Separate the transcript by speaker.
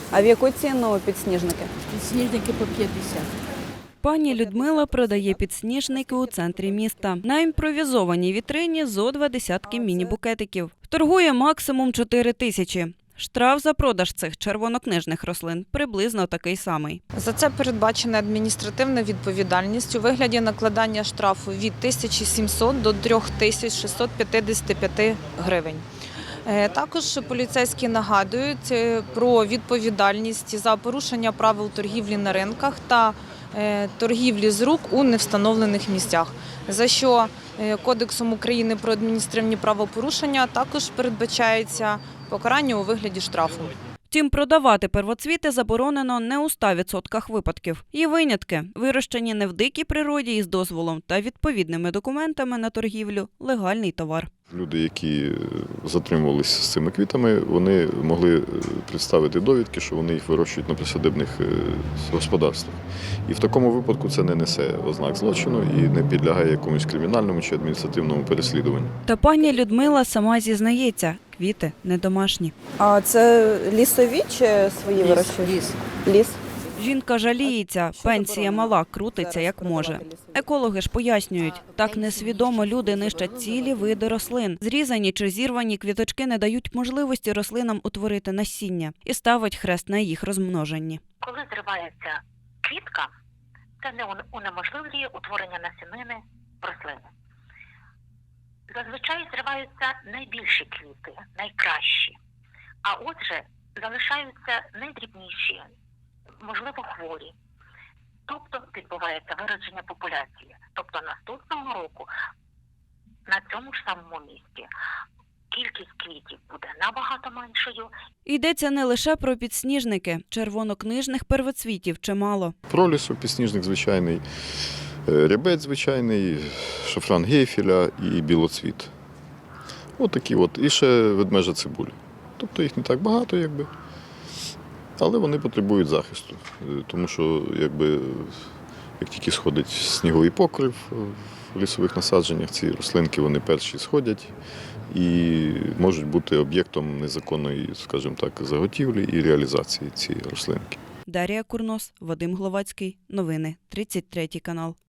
Speaker 1: А в яку ціну підсніжники?
Speaker 2: Підсніжники по 50.
Speaker 3: Пані Людмила продає підсніжники у центрі міста. На імпровізованій вітрині зо 20 міні-букетиків. Торгує максимум 4 тисячі. Штраф за продаж цих червонокнижних рослин приблизно такий самий.
Speaker 4: За це передбачена адміністративна відповідальність у вигляді накладання штрафу від 1700 до 3655 гривень. Також поліцейські нагадують про відповідальність за порушення правил торгівлі на ринках та торгівлі з рук у невстановлених місцях, за що Кодексом України про адміністративні правопорушення також передбачається покарання у вигляді штрафу.
Speaker 3: Втім, продавати первоцвіти заборонено не у 100% випадків. Є винятки – вирощені не в дикій природі із дозволом та відповідними документами на торгівлю – легальний товар.
Speaker 5: Люди, які затримувалися з цими квітами, вони могли представити довідки, що вони їх вирощують на присадибних господарствах. І в такому випадку це не несе ознак злочину і не підлягає якомусь кримінальному чи адміністративному переслідуванню.
Speaker 3: Та пані Людмила сама зізнається – квіти не домашні.
Speaker 1: А це лісові чи свої вирощують?
Speaker 2: Ліс.
Speaker 1: Ліс.
Speaker 3: Жінка жаліється,
Speaker 1: Що
Speaker 3: пенсія
Speaker 1: заборонено
Speaker 3: мала, крутиться
Speaker 1: зараз
Speaker 3: як може.
Speaker 1: продавати лісові?
Speaker 3: Екологи ж пояснюють, так несвідомо люди нищать цілі види рослин. Зрізані чи зірвані квіточки не дають можливості рослинам утворити насіння і ставить хрест на їх розмноженні.
Speaker 6: Коли зривається квітка, це не унеможливлює утворення насінини рослини. Зазвичай зриваються найбільші квіти, найкращі, а отже залишаються найдрібніші, можливо, хворі. Тобто відбувається виродження популяції. Тобто наступного року на цьому ж самому місці кількість квітів буде набагато меншою.
Speaker 3: Йдеться не лише про підсніжники, червонокнижних первоцвітів чимало.
Speaker 5: Пролісу, підсніжник звичайний, рябець звичайний, шафран гейфеля і білоцвіт. Ось такі от. І ще ведмежа цибуля. Тобто їх не так багато, якби. Але вони потребують захисту, тому що як тільки сходить сніговий покрив в лісових насадженнях, ці рослинки вони перші сходять і можуть бути об'єктом незаконної, скажімо так, заготівлі і реалізації цієї рослинки.
Speaker 3: Дар'я Курнос, Вадим Гловацький. Новини. 33 канал.